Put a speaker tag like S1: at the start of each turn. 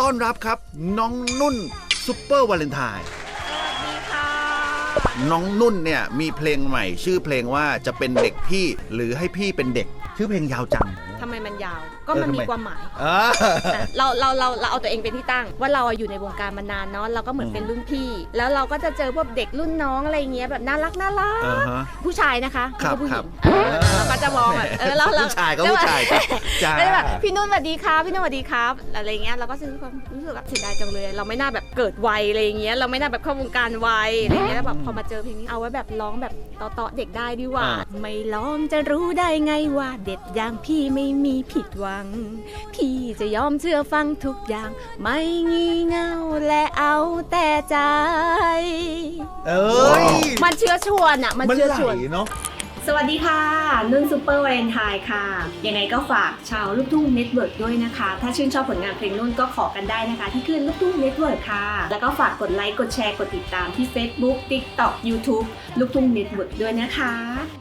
S1: ต้อนรับครับน้องนุ่นซุปเปอร์วาเลนไทน์น้องนุ่นเนี่ยมีเพลงใหม่ชื่อเพลงว่าจะเป็นเด็กพี่หรือให้พี่เป็นเด็กชื่อเพลงยาวจัง
S2: ทำไมมันยาวก็มันมีความหมาย เราเอาตัวเองเป็นที่ตั้งว่าเราอยู่ในวงการมานานเนาะเราก็เหมือนเป็นรุ่นพี่แล้วเราก็จะเจอพวกเด็กรุ่นน้องอะไรเงี้ยแบบน่ารักผู้ชายนะคะไม่ใช่ผู้หญิงเราก็จะมองแบบเรา
S1: ผู้ชายก็ผู้ชายจ้า
S2: แบบพี่นุ่นสวัสดีครับพี่นุ่นสวัสดีครับอะไรเงี้ยเราก็รู้สึกแบบเสียดายจังเลยเราไม่น่าแบบเกิดวัยอะไรเงี้ยเราไม่น่าแบบเข้าวงการวัยอะไรเงี้ยแล้วแบบพอมาเจอเพลงนี้เอาไว้แบบร้องแบบต่อเด็กได้ดีกว่าไม่ร้องจะรู้ได้ไงว่าเด็ดอย่างพี่ไม่มีผิดหวังพี่จะยอมเชื่อฟังทุกอย่างไม่งี่เง่าและเอาแต่ใจมันเชื้อชวนอ่ะมันเชื้อชวน
S1: เนาะ
S2: สวัสดีค่ะนุ่นซุปเปอร์วาเลนไทน์ค่ะยังไงก็ฝากชาวลูกทุ่งเน็ตเวิร์กด้วยนะคะถ้าชื่นชอบผลงานเพลงนุ่นก็ขอกันได้นะคะที่ขึ้นลูกทุ่งเน็ตเวิร์กค่ะแล้วก็ฝากกดไลค์กดแชร์กดติดตามที่ Facebook TikTok YouTube ลูกทุ่งเน็ตเวิร์กด้วยนะคะ